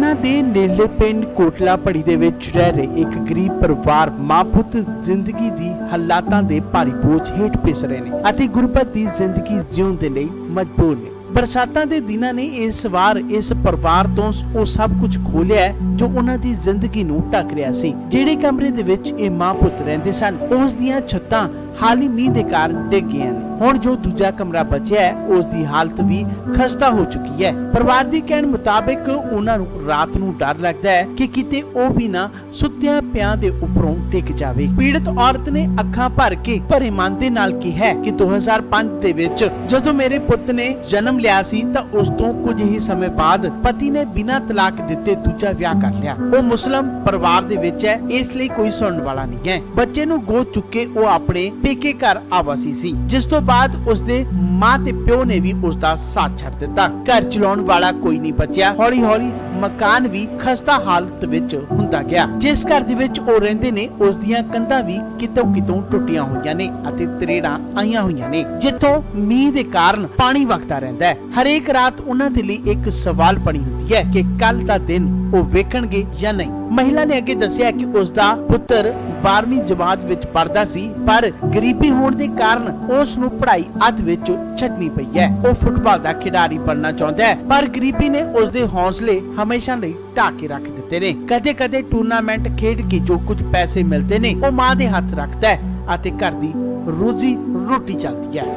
ਲੁਧਿਆਣਾ ਦੇ ਨੇੜਲੇ ਪਿੰਡ ਕੋਟਲਾ ਪੜੀ ਦੇ ਵਿੱਚ ਰਹਿ ਰਹੇ ਇੱਕ ਗਰੀਬ ਪਰਿਵਾਰ ਮਾਂ ਪੁੱਤ ਜ਼ਿੰਦਗੀ ਦੀ ਹਾਲਾਤਾਂ ਦੇ ਭਾਰੀ ਬੋਝ ਹੇਠ ਪਿਸ ਰਹੇ ਨੇ ਅਤੇ ਗੁਰਬਤ ਦੀ ਜ਼ਿੰਦਗੀ ਜਿਉਣ ਦੇ ਲਈ ਮਜਬੂਰ ਨੇ। ਬਰਸਾਤਾਂ ਦੇ ਦਿਨਾਂ ਨੇ ਇਸ ਵਾਰ ਇਸ ਪਰਿਵਾਰ ਤੋਂ ਉਹ ਸਭ ਕੁਝ ਖੋਲਿਆ ਜੋ ਉਹਨਾਂ ਦੀ ਜ਼ਿੰਦਗੀ ਨੂੰ ਢੱਕ ਰਿਹਾ ਸੀ। ਜਿਹੜੇ ਕਮਰੇ ਦੇ ਵਿੱਚ ਇਹ ਮਾਂ ਪੁੱਤ ਰਹਿੰਦੇ ਸਨ ਉਸ ਦੀਆਂ ਛੱਤਾਂ ਹਾਲੀ ਮੀਂਹ ਦੇ ਕਾਰਨ ਡਿੱਗ ਗਈਆਂ ਨੇ। ਹੁਣ ਜੋ ਦੂਜਾ ਕਮਰਾ ਬਚਿਆ ਹੈ ਉਸ ਦੀ ਹਾਲਤ ਵੀ ਖਸਤਾ ਹੋ ਚੁੱਕੀ ਹੈ। ਪਰਿਵਾਰ ਦੀ ਕਹਿਣ ਮੁਤਾਬਿਕ ਉਹਨਾਂ ਨੂੰ ਰਾਤ ਨੂੰ ਡਰ ਲੱਗਦਾ ਹੈ ਕਿ ਕਿਤੇ ਉਹ ਵੀ ਨਾ ਸੁੱਤਿਆਂ ਪਿਆਂ ਦੇ ਉੱਪਰੋਂ ਡਿੱਗ ਜਾਵੇ। ਪੀੜਤ ਔਰਤ ਨੇ ਅੱਖਾਂ ਭਰ ਕੇ ਭਰੇ ਮਨ ਦੇ ਨਾਲ ਕਿਹਾ ਕਿ 2005 ਦੇ ਵਿੱਚ ਜਦੋਂ ਮੇਰੇ ਪੁੱਤ ਨੇ ਜਨਮ ਲਿਆ ਸੀ ਤਾਂ ਉਸ ਤੋਂ ਕੁਝ ਹੀ ਸਮੇਂ ਬਾਅਦ ਪਤੀ ਨੇ ਬਿਨਾਂ ਤਲਾਕ ਦਿੱਤੇ ਦੂਜਾ ਵਿਆਹ ਕਰ ਲਿਆ। ਉਹ ਮੁਸਲਮ ਪਰਿਵਾਰ ਦੇ ਵਿੱਚ ਹੈ, ਇਸ ਲਈ ਕੋਈ ਸੁਣਨ ਵਾਲਾ ਨਹੀਂ ਹੈ। ਬੱਚੇ ਨੂੰ ਗੋਦ ਚੁੱਕੇ ਉਹ ਆਪਣੇ ਪੇਕੇ ਘਰ ਆਵਾਸੀ ਸੀ, ਜਿਸ ਤੋਂ ਬਾਅਦ ਉਸਦੇ ਮਾਂ ਤੇ ਪਿਓ ਨੇ ਵੀ ਉਸਦਾ ਸਾਥ ਛੱਡ ਦਿੱਤਾ। ਘਰ ਚਲਾਉਣ ਵਾਲਾ ਕੋਈ ਨਹੀਂ ਬਚਿਆ। ਹੌਲੀ ਹੌਲੀ ਮਕਾਨ ਵੀ ਖਸਤਾ ਹਾਲਤ ਵਿੱਚ ਹੁੰਦਾ ਗਿਆ। ਜਿਸ ਘਰ ਦੇ ਵਿੱਚ ਉਹ ਰਹਿੰਦੇ ਨੇ ਉਸ ਦੀਆਂ ਕੰਧਾਂ ਵੀ ਕਿਤੋਂ ਟੁੱਟੀਆਂ ਹੋਈਆਂ ਨੇ ਅਤੇ ਤਰੇੜਾਂ ਆਈਆਂ ਹੋਈਆਂ ਨੇ, ਜਿੱਥੋਂ ਮੀਂਹ ਦੇ ਕਾਰਨ ਪਾਣੀ ਵਗਦਾ ਰਹਿੰਦਾ ਹੈ। ਹਰੇਕ ਰਾਤ ਉਹਨਾਂ ਦੇ ਲਈ ਇੱਕ ਸਵਾਲ ਬਣੀ ਹੁੰਦੀ ਹੈ ਕਿ ਕੱਲ ਦਾ ਦਿਨ ਉਹ ਵੇਖਣਗੇ ਜਾਂ ਨਹੀਂ। ਮਹਿਲਾ ਨੇ ਅੱਗੇ ਦੱਸਿਆ ਕਿ ਉਸ ਦਾ ਪੁੱਤਰ 12ਵੀਂ ਜਮਾਤ ਵਿੱਚ ਪੜ੍ਹਦਾ ਸੀ, ਪਰ ਗਰੀਬੀ ਹੋਣ ਦੇ ਕਾਰਨ ਉਸ ਨੂੰ ਪੜ੍ਹਾਈ ਅੱਧ ਵਿੱਚ ਛੱਡਣੀ ਪਈ ਹੈ। ਉਹ ਫੁੱਟਬਾਲ ਦਾ ਖਿਡਾਰੀ ਬਣਨਾ ਚਾਹੁੰਦਾ ਹੈ, ਪਰ ਗਰੀਬੀ ਨੇ ਉਸ ਦੇ ਹੌਸਲੇ ਹਮੇਸ਼ਾ ਲਈ ਢਾਹ ਕੇ ਰੱਖ ਦਿੱਤੇ ਨੇ। ਕਦੇ-ਕਦੇ ਟੂਰਨਾਮੈਂਟ ਖੇਡ ਕੇ ਜੋ ਕੁਝ ਪੈਸੇ ਮਿਲਦੇ ਨੇ ਉਹ ਮਾਂ ਦੇ ਹੱਥ ਰੱਖਦਾ ਹੈ ਅਤੇ ਘਰ ਦੀ ਰੋਜ਼ੀ ਰੋਟੀ ਚੱਲਦੀ ਹੈ।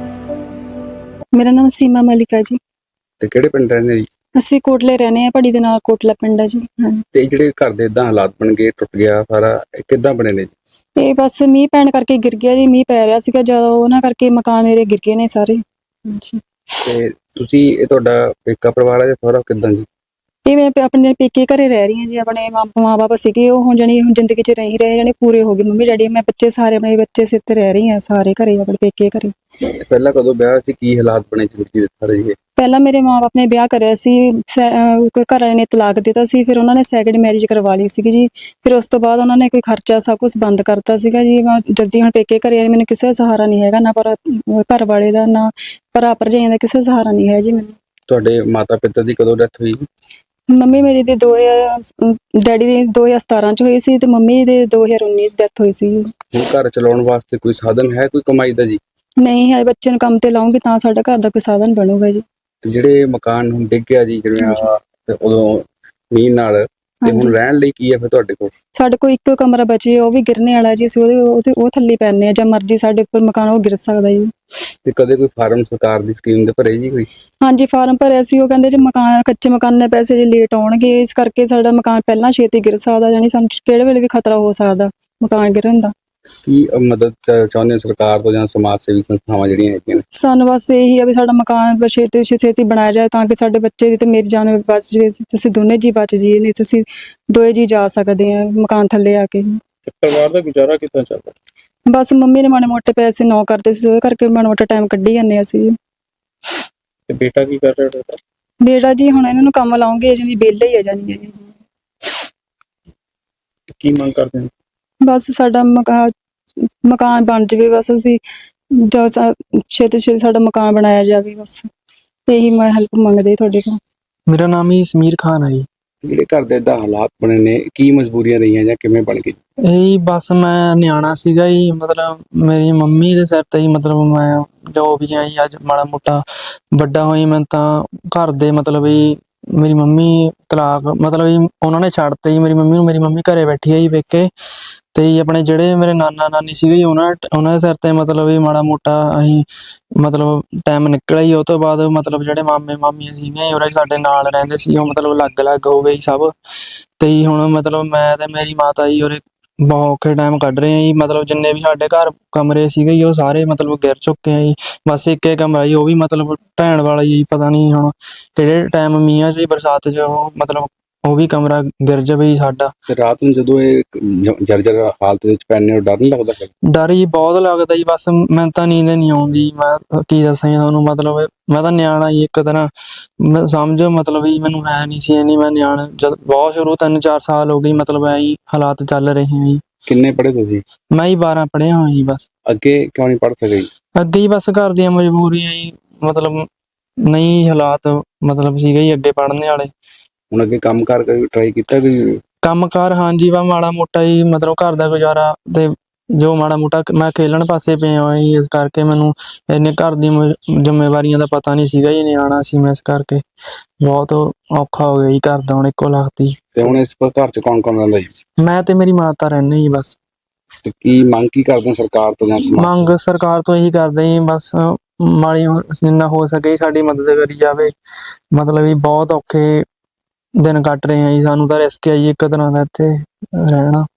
ਮੇਰਾ ਨਾਮ ਸੀਮਾ ਮਲਿਕਾ ਜੀ। ਤੇ ਕਿਹੜੇ ਪਿੰਡ ਰਹਿੰਦੇ ਜੀ? ਅਸੀਂ ਕੋਟਲੇ ਰਹਿੰਦੇ ਆ, ਪੜੀ ਦੇ ਨਾਲ ਕੋਟਲਾ ਪਿੰਡ ਹੈ ਜੀ। ਹਾਂਜੀ। ਤੇ ਜਿਹੜੇ ਘਰ ਦੇ ਇਦਾਂ ਹਾਲਾਤ ਬਣ ਗਏ, ਟੁੱਟ ਗਿਆ ਸਾਰਾ, ਇਹ ਕਿੱਦਾਂ ਬਣੇ ਨੇ ਜੀ? ਇਹ ਬਸ ਮੀਂਹ ਪੈਣ ਕਰਕੇ ਗਿਰ ਗਿਆ ਜੀ। ਮੀਂਹ ਪੈ ਰਿਹਾ ਸੀਗਾ ਜਦੋਂ, ਉਹਨਾਂ ਕਰਕੇ ਮਕਾਨ ਮੇਰੇ ਗਿਰ ਗਏ ਨੇ ਸਾਰੇ। ਹਾਂਜੀ। ਤੇ ਤੁਸੀਂ, ਇਹ ਤੁਹਾਡਾ ਪੇਕਾ ਪਰਿਵਾਰ ਹੈ ਜਾਂ ਸਹੁਰਾ ਕਿੱਦਾਂ ਜੀ? ਇਹ ਮੈਂ ਆਪਣੇ ਪੇਕੇ ਘਰੇ ਰਹਿ ਰਹੀ ਹਾਂ ਜੀ। ਆਪਣੇ ਮਾਂ ਬਾਪ ਸੀਗੇ, ਉਹ ਹੁਣ ਜਾਣੀ ਹੁਣ ਜ਼ਿੰਦਗੀ 'ਚ ਨਹੀਂ ਰਹੇ, ਜਾਣੀ ਪੂਰੇ ਹੋ ਗਏ ਮੰਮੀ ਡੈਡੀ। ਮੈਂ ਬੱਚੇ ਸਾਰੇ ਆਪਣੇ ਬੱਚੇ ਸਿਰ ਤੇ ਰਹਿ ਰਹੀ ਹਾਂ, ਸਾਰੇ ਘਰੇ ਆਪਣੇ ਪੇਕੇ ਘਰੇ। ਪਹਿਲਾਂ ਕਦੋਂ ਵਿਆਹ ਸੀ, ਕੀ ਹਾਲਾਤ ਬਣੇ ਜ਼ਿੰਦਗੀ ਦੇ ਸਾਰੇ ਜੀ? ਪਹਿਲਾਂ ਮੇਰੇ ਮਾਂ ਬਾਪ ਨੇ ਵਿਆਹ ਕਰਿਆ ਸੀ, ਘਰ ਵਾਲੇ ਨੇ ਤਲਾਕ ਦਿੱਤਾ ਸੀ, ਫਿਰ ਉਹਨਾਂ ਨੇ ਸੈਕਿੰਡ ਮੈਰਿਜ ਕਰਵਾ ਲਈ ਸੀਗੀ ਜੀ। ਫਿਰ ਉਸ ਤੋਂ ਬਾਅਦ ਉਹਨਾਂ ਨੇ ਕੋਈ ਖਰਚਾ ਸਭ ਕੁਝ ਬੰਦ ਕਰਤਾ ਸੀਗਾ ਜੀ। ਮੈਂ ਜਲਦੀ ਹੁਣ ਪੇਕੇ ਘਰੇ ਆਈ, ਮੈਨੂੰ ਕਿਸੇ ਦਾ ਸਹਾਰਾ ਨਹੀਂ ਹੈਗਾ, ਨਾ ਪਰ ਘਰ ਵਾਲੇ ਦਾ, ਨਾ ਭਰਾ ਭਰਜਾਈਆਂ ਦਾ, ਕਿਸੇ ਦਾ ਸਹਾਰਾ ਨਹੀਂ ਹੈ ਜੀ ਮੈਨੂੰ। ਤੁਹਾਡੇ ਮਾਤਾ ਪਿਤਾ ਦੀ ਕਦੋਂ ਡੈਥ ਹੋਈ? ਮੰਮੀ ਮੇਰੀ ਦੀ 2000, ਡੈਡੀ ਦੀ 2017 ਚ ਹੋਈ ਸੀ ਤੇ ਮੰਮੀ ਦੇ 2019 ਚ ਡੈਥ ਹੋਈ ਸੀ। ਹੁਣ ਘਰ ਚਲਾਉਣ ਵਾਸਤੇ ਕੋਈ ਸਾਧਨ ਹੈ, ਕੋਈ ਕਮਾਈ ਦਾ ਜੀ? ਨਹੀਂ ਹੈ, ਬੱਚੇ ਨੂੰ ਕੰਮ ਤੇ ਲਾਉਂਗੀ ਤਾਂ ਸਾਡਾ ਘਰ ਦਾ ਕੋਈ ਸਾਧਨ ਬਣੂਗਾ ਜੀ। ਤੇ ਜਿਹੜੇ ਮਕਾਨ ਹੁਣ ਡਿੱਗ ਗਿਆ ਜੀ, ਜਿਵੇਂ ਤੇ ਉਦੋਂ ਮੀਂਹ ਨਾਲ, ਤੇ ਹੁਣ ਰਹਿਣ ਲਈ ਕੀ ਹੈ ਫਿਰ ਤੁਹਾਡੇ ਕੋਲ? ਸਾਡੇ ਕੋਲ ਇੱਕੋ ਕਮਰਾ ਬਚੇ, ਉਹ ਵੀ ਗਿਰਨੇ ਵਾਲਾ ਜੀ। ਅਸੀਂ ਉਹ ਥੱਲੇ ਪੈਣੇ ਆ, ਜਾਂ ਮਰਜੀ ਸਾਡੇ ਉੱਪਰ ਮਕਾਨ ਉਹ ਗਿਰ ਸਕਦਾ ਜੀ। ਤੇ ਕਦੇ ਕੋਈ ਫਾਰਮ ਸਰਕਾਰ ਦੀ ਸਕੀਮ ਦੇ ਭਰੇ ਜੀ ਕੋਈ? ਹਾਂਜੀ, ਫਾਰਮ ਭਰਿਆ ਸੀ। ਉਹ ਕਹਿੰਦੇ ਜੀ ਮਕਾਨ ਕੱਚੇ ਮਕਾਨ ਦੇ ਪੈਸੇ ਜੇ ਲੇਟ ਆਉਣਗੇ, ਇਸ ਕਰਕੇ ਸਾਡਾ ਮਕਾਨ ਪਹਿਲਾਂ ਛੇਤੀ ਗਿਰ ਸਕਦਾ, ਜਾਨੀ ਸਾਨੂੰ ਕਿਹੜੇ ਵੇਲੇ ਵੀ ਖਤਰਾ ਹੋ ਸਕਦਾ ਮਕਾਨ ਗਿਰਨ ਦਾ। ਕੀ ਮਦਦ ਚਾਹੁੰਦੇ ਹੋ ਸਰਕਾਰ ਤੋਂ ਜਾਂ ਸਮਾਜ ਸੇਵੀ ਸੰਸਥਾਵਾਂ ਜਿਹੜੀਆਂ ਹੈਗੀਆਂ ਨੇ? ਸਾਨੂੰ ਬਸ ਇਹੀ ਆ ਵੀ ਸਾਡਾ ਮਕਾਨ ਛੇਤੀ ਬਣਾਇਆ ਜਾਏ ਤਾਂ ਕਿ ਸਾਡੇ ਬੱਚੇ ਦੀ ਤੇ ਮੇਰੀ ਜਾਨ ਬਚ ਜਾਵੇ, ਅਸੀਂ ਦੋਨੇ ਜੀ ਬਚ ਜਾਈਏ, ਨਹੀਂ ਤਾਂ ਅਸੀਂ ਦੋਏ ਜੀ ਜਾ ਸਕਦੇ ਆ ਮਕਾਨ ਥੱਲੇ ਆ ਕੇ। ਪਰਿਵਾਰ ਦਾ ਗੁਜ਼ਾਰਾ ਕਿੱਦਾਂ ਚੱਲਦਾ? ਬਸ ਮੰਮੀ ਨੇ ਮਾੜੇ ਮੋਟੇ ਪੈਸੇ ਨੌ ਕਰਦੇ ਸੀ, ਉਹ ਕਰਕੇ ਮਾੜਾ ਮੋਟਾ ਟਾਈਮ ਕੱਢੀ ਜਾਂਦੇ ਅਸੀਂ। ਤੇ ਬੇਟਾ ਕੀ ਕਰ ਰਿਹਾ? ਬੇਟਾ ਜੀ ਹੁਣ ਇਹਨਾਂ ਨੂੰ ਕੰਮ ਲਾਉਂਗੇ, ਜਾਨੀ ਵਿਹਲੇ ਹੀ ਆ ਜਾਣੀ ਹੈ ਜੀ। ਕੀ ਮੰਗ ਕਰਦੇ ਹੋ? ਬਸ ਸਾਡਾ ਮਕਾਨ ਬਣ ਜਾਵੇ, ਬਸ ਅਸੀਂ ਛੇਤੀ ਸਾਡਾ ਮਕਾਨ ਬਣਾਇਆ ਜਾਵੇ, ਬਸ ਇਹੀ ਮੈਂ ਹੈਲਪ ਮੰਗਦੇ ਤੁਹਾਡੇ ਕੋਲ। ਮੇਰਾ ਨਾਮ ਹੀ ਸਮੀਰ ਖਾਨ ਹੈ ਜੀ। ਜਿਹੜੇ ਘਰ ਦੇ ਇਦਾਂ ਹਾਲਾਤ ਬਣੇ ਨੇ, ਕੀ ਮਜਬੂਰੀਆਂ ਰਹੀਆਂ ਜਾਂ ਕਿਵੇਂ ਬਣ ਗਈ? ਇਹ ਬਸ ਮੈਂ ਨਿਆਣਾ ਸੀਗਾ ਜੀ, ਮਤਲਬ ਮੇਰੀ ਮੰਮੀ ਦੇ ਸਿਰ ਤੇ ਹੀ, ਮਤਲਬ ਮੈਂ ਜੋ ਵੀ ਆ ਜੀ, ਅੱਜ ਮਾੜਾ ਮੋਟਾ ਵੱਡਾ ਹੋਈ ਮੈਂ ਤਾਂ ਘਰ ਦੇ ਮਤਲਬ ਹੀ ਮੇਰੀ ਮੰਮੀ ਤਲਾਕ ਮਤਲਬ ਹੀ ਉਹਨਾਂ ਨੇ ਛੱਡਤੇ ਜੀ ਮੇਰੀ ਮੰਮੀ ਨੂੰ। ਮੇਰੀ ਮੰਮੀ ਘਰੇ ਬੈਠੀ ਹੈ ਜੀ ਵੇਖੇ, ਤੇ ਆਪਣੇ ਜਿਹੜੇ ਮੇਰੇ ਨਾਨਾ ਨਾਨੀ ਸੀਗੇ ਜੀ, ਉਹਨਾਂ ਦੇ ਸਿਰ ਤੇ ਮਤਲਬ ਵੀ ਮਾੜਾ ਮੋਟਾ ਅਸੀਂ ਮਤਲਬ ਟਾਈਮ ਨਿਕਲਿਆ ਜੀ। ਉਹ ਤੋਂ ਬਾਅਦ ਮਤਲਬ ਜਿਹੜੇ ਮਾਮੇ ਮਾਮੀਆਂ ਸੀਗੇ ਉਹ ਸਾਡੇ ਨਾਲ ਰਹਿੰਦੇ ਸੀ, ਉਹ ਮਤਲਬ ਅਲੱਗ ਹੋ ਗਏ ਸਭ। ਤੇ ਹੁਣ ਮਤਲਬ ਮੈਂ ਤੇ ਮੇਰੀ ਮਾਤਾ ਜੀ ਉਰੇ ਬਹੁਤ ਔਖੇ ਟਾਈਮ ਕੱਢ ਰਹੇ ਆ ਜੀ। ਮਤਲਬ ਜਿੰਨੇ ਵੀ ਸਾਡੇ ਘਰ ਕਮਰੇ ਸੀਗੇ ਜੀ ਉਹ ਸਾਰੇ ਮਤਲਬ ਗਿਰ ਚੁੱਕੇ ਆ ਜੀ। ਬਸ ਇੱਕ ਕਮਰਾ ਜੀ, ਉਹ ਵੀ ਮਤਲਬ ਢਹਿਣ ਵਾਲਾ ਜੀ। ਪਤਾ ਨਹੀਂ ਹੁਣ ਕਿਹੜੇ ਟਾਈਮ ਮੀਂਹਾਂ 'ਚ ਬਰਸਾਤ 'ਚ ਉਹ ਮਤਲਬ ਉਹ ਵੀ ਕਮਰਾ ਗਿਰ ਜਾਵੇ ਜੀ ਸਾਡਾ। ਤੇ ਰਾਤ ਨੂੰ ਜਦੋਂ ਇਹ ਜਰਜਰ ਹਾਲਤ ਵਿੱਚ ਪੈਣੇ, ਉਹ ਡਰ ਨਹੀਂ ਲੱਗਦਾ? ਡਰ ਜੀ ਬਹੁਤ ਲੱਗਦਾ ਜੀ। ਬਸ ਮੈਨੂੰ ਤਾਂ ਨੀਂਦ ਨਹੀਂ ਆਉਂਦੀ, ਮੈਂ ਕੀ ਦੱਸਾਂ ਤੁਹਾਨੂੰ। ਮਤਲਬ ਮੈਂ ਤਾਂ ਨਿਆਣਾ ਜੀ ਇੱਕ ਤਰ੍ਹਾਂ, ਮੈਂ ਸਮਝ ਮਤਲਬ ਵੀ ਮੈਨੂੰ ਹੈ ਨਹੀਂ ਸੀ ਇੰਨੀ। ਮੈਂ ਨਿਆਣਾ ਜਦ ਬਹੁਤ ਸ਼ੁਰੂ 3-4 ਸਾਲ ਹੋ ਗਈ, ਮਤਲਬ ਐਂ ਹਾਲਾਤ ਚੱਲ ਰਹੇ ਆ ਜੀ। ਕਿੰਨੇ ਪੜ੍ਹੇ ਤੁਸੀਂ? ਮੈਂ ਹੀ 12 ਪੜ੍ਹਿਆ ਹਾਂ ਜੀ। ਬਸ ਅੱਗੇ ਕਿਉਂ ਨਹੀਂ ਪੜ੍ਹ ਸਕੇ? ਅੱਗੇ ਹੀ ਬਸ ਘਰ ਦੀਆਂ ਮਜਬੂਰੀਆਂ ਜੀ, ਮਤਲਬ ਨਹੀਂ ਹਾਲਾਤ ਮਤਲਬ ਸੀਗੇ ਜੀ ਅੱਗੇ ਪੜ੍ਹਨੇ ਵਾਲੇ। ਹੁਣ ਅੱਗੇ ਕੰਮ ਕਾਰ ਟਰਾਈ ਕੀਤਾ ਕੋਈ? ਕੰਮਕਾਰ ਹਾਂਜੀ ਵਾ ਮਾੜਾ ਮੋਟਾ ਹੀ ਮਤਲਬ ਘਰ ਦਾ ਗੁਜ਼ਾਰਾ ਤੇ ਜੋ ਮਾੜਾ ਮੋਟਾ ਮੈਂ ਖੇਲਣ ਪਾਸੇ ਪਿਆ ਹੋਇਆ ਜੀ, ਇਸ ਕਰਕੇ ਮੈਨੂੰ ਇੰਨੇ ਘਰ ਦੀ ਜ਼ਿੰਮੇਵਾਰੀਆਂ ਦਾ ਪਤਾ ਨਹੀਂ ਸੀਗਾ ਜੀ, ਨਿਆਣਾ ਸੀ ਮੈਂ, ਇਸ ਕਰਕੇ ਬਹੁਤ ਔਖਾ ਹੋ ਗਿਆ ਜੀ ਘਰ ਦਾ ਹੁਣ ਇੱਕੋ ਲਖਤੀ। ਤੇ ਹੁਣ ਇਸ ਘਰ ਚ ਕੌਣ ਕੌਣ ਰਹਿੰਦਾ ਜੀ? ਮੈਂ ਤੇ ਮੇਰੀ ਮਾਤਾ ਰਹਿੰਦੇ ਜੀ ਬਸ। ਤੇ ਕੀ ਮੰਗ ਕੀ ਕਰਦੇ ਹੋ ਸਰਕਾਰ ਤੋਂ ਜਾਂ ਸਮਾਜ ਮੰਗ ਸਰਕਾਰ ਤੋਂ ਇਹੀ ਕਰਦੇ ਜੀ ਬਸ ਮਾੜੀ ਜਿੰਨਾ ਹੋ ਸਕੇ ਸਾਡੀ ਮਦਦ ਕਰੀ ਜਾਵੇ। ਮਤਲਬ ਵੀ ਬਹੁਤ ਔਖੇ ਦਿਨ ਕੱਟ ਰਹੇ ਆ ਜੀ, ਸਾਨੂੰ ਤਾਂ ਰਿਸਕ ਆ ਜੀ ਇੱਕ ਤਰ੍ਹਾਂ ਦਾ ਇੱਥੇ ਰਹਿਣਾ।